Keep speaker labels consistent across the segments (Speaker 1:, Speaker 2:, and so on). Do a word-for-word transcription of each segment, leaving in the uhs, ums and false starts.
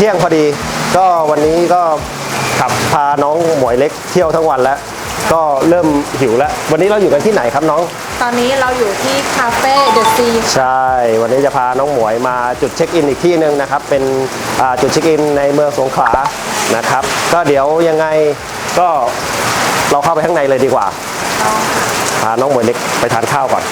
Speaker 1: ที่ยงพอดีก็วันนี้ก็ขับพาน้องหมวยเล็กเที่ยวทั้งวันแล้วก็เริ่มหิวแล้ววันนี้เราอยู่กันที่ไหนครับน้อง
Speaker 2: ตอนนี้เราอยู่ที่คาเฟ่เดอะซี
Speaker 1: ใช่วันนี้จะพาน้องหมวยมาจุดเช็คอินอีกที่หนึ่งนะครับเป็นจุดเช็คอินในเมืองสงขลานะครับก็เดี๋ยวยังไงก็เราเข้าไปข้างในเลยดีกว่าพาน้องหมวยเล็กไปทานข้าวก่อน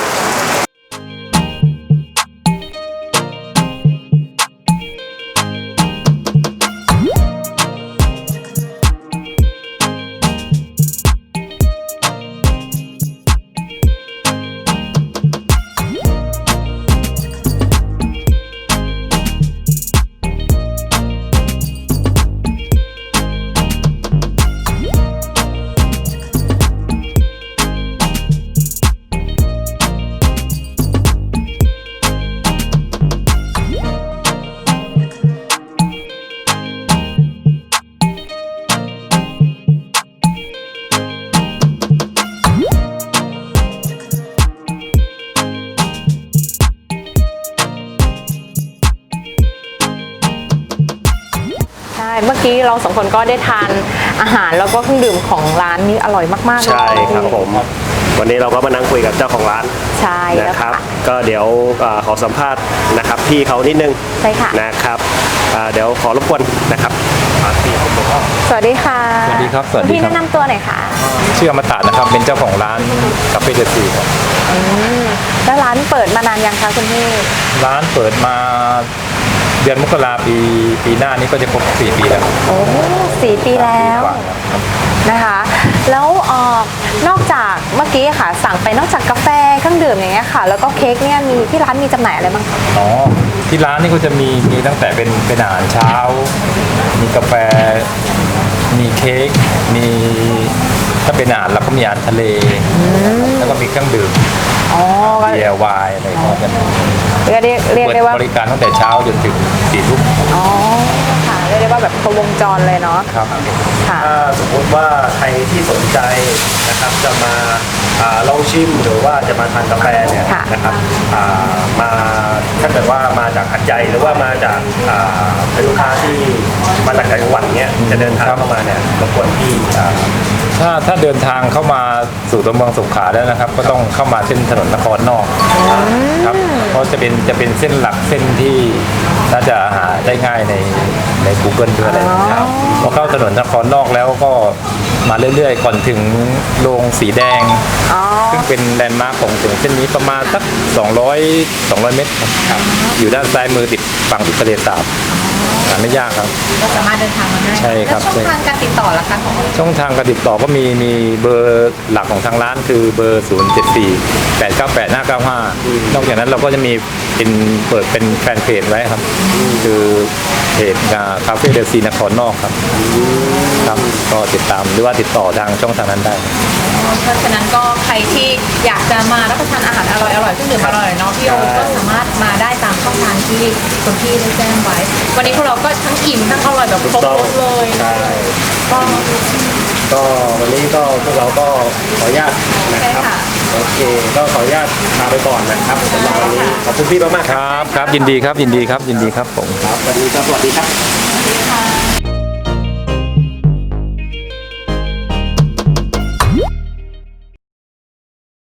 Speaker 2: เมื่อกี้เราสองคนก็ได้ทานอาหารแล้วก็เครื่องดื่มของร้านนี้อร่อยมากๆเลย
Speaker 1: ใช่ครับผมวันนี้เราก็มานั่งคุยกับเจ้าของร้าน
Speaker 2: ใช่
Speaker 1: นะครับก็เดี๋ยวขอสัมภาษณ์นะครับพี่เขานิดนึง
Speaker 2: ใช่ค่ะ
Speaker 1: นะครับเดี๋ยวขอรบกวนนะครับ
Speaker 2: สวัสดีค่ะ
Speaker 3: สวัสดีครับสวัสดี
Speaker 2: พี่แนะนำตัวหน่อยค่ะ
Speaker 3: ชื่ออมตะนะครับเป็นเจ้าของร้านคาเฟ่เดอะซีครับ
Speaker 2: แล้วร้านเปิดมานานยังคะคุณพี่
Speaker 3: ร้านเปิดมาเดือนมกราปีปีหน้านี้ก็จะครบสี่ปีแล้ว
Speaker 2: โอ้สี่ปีแล้วนะคะแล้วเอ่อนอกจากเมื่อกี้ค่ะสั่งไปนอกจากกาแฟเครื่องดื่มอย่างเงี้ยค่ะแล้วก็เค้กเนี่ยมีที่ร้านมีจำหน่ายอะไรบ้างคะ
Speaker 3: อ๋อที่ร้านนี่ก็จะมีมีตั้งแต่เป็นเป็นอาหารเช้ามีกาแฟมีเค้กมีถ้าเป็นอาหารเราก็มีอาหารทะเลแล้วก็มีเครื่องดื่มเบียร์ไวน์อะไรพวกนี้
Speaker 2: เรียกเรียกได้ว่า
Speaker 3: บริการตั้งแต่เช้าจนถึงสี่ทุ่ม
Speaker 2: อ๋อค่ะเรียกได้ว่าแบบครบวงจรเลยเนาะ
Speaker 3: ครับ
Speaker 1: ถ้าสมมติว่าใครที่สนใจนะครับจะมาลองชิมหรือว่าจะมาทานกาแฟเนี่ยนะครับมาถ้าเกิดว่ามาจากหัดใหญ่หรือว่ามาจากเป็นลูกค้าที่มาจากจังหวัดเนี้ยจะเดินทางเข้ามาเนี่ยรบกวนที่
Speaker 3: ถ้าถ้าเดินทางเข้ามาสู่ตัวเมืองสงขลาแล้วนะครับก็ต้องเข้ามาเส้นถนนนครนอกครับเพราะจะเป็นจะเป็นเส้นหลักเส้นที่น่าจะหาได้ง่ายในใน Google ด้วยนะครับพอเข้าถนนนครนอกแล้วก็มาเรื่อยๆก่อนถึงโรงสีแดงซึ่งเป็นแลนด์มาร์คของถึงเส้นนี้ประมาณสักสองร้อย สองร้อยเมตรครับอยู่ด้านซ้ายมือติดฝั่งติดทะเลสาบไม่ยากครับ
Speaker 2: ก็สามารถเดินทางมาได้
Speaker 3: ใช่ครับ
Speaker 2: ช่องทางการติดต่อละคะของ
Speaker 3: ช่องทางการติดต่อก็มีมีเบอร์หลักของทางร้านคือเบอร์ศูนย์เจ็ดสี่ แปดเก้าแปด ห้าเก้าห้านอกจากนั้นเราก็จะมีเป็นเปิดเป็นแฟนเพจไว้ครับคือเพจคาเฟ่เดอะซีนครนอกครับครับก็ติดตามหรือว่าติดต่อทางช่องทางนั้นได้
Speaker 2: เพราะฉะนั้นก็ใครที่อยากจะมารับประทานอาหารอร่อยอร่อยเครื่องดื่มอร่อยเนาะพี่โอก็สามารถมาได้ตามช่องทางที่คุณพี่ได้แจ้งไว้วันนี้พวกเราก็ทั้งอิ่มทั้งอร่อยแบบครบรสเลย
Speaker 1: ก็ก็วันนี้ก็พวกเราก็ขออนุญาตนะครับโอเคก็ขออนุญาตลาไปก่อนนะครับสำหรับวันนี้ขอบคุณพี่มากๆ
Speaker 3: ครับครับยินดีครับยินดีครับยินดีครับผม
Speaker 1: ครับวันนี้ก็สวัสดีครับ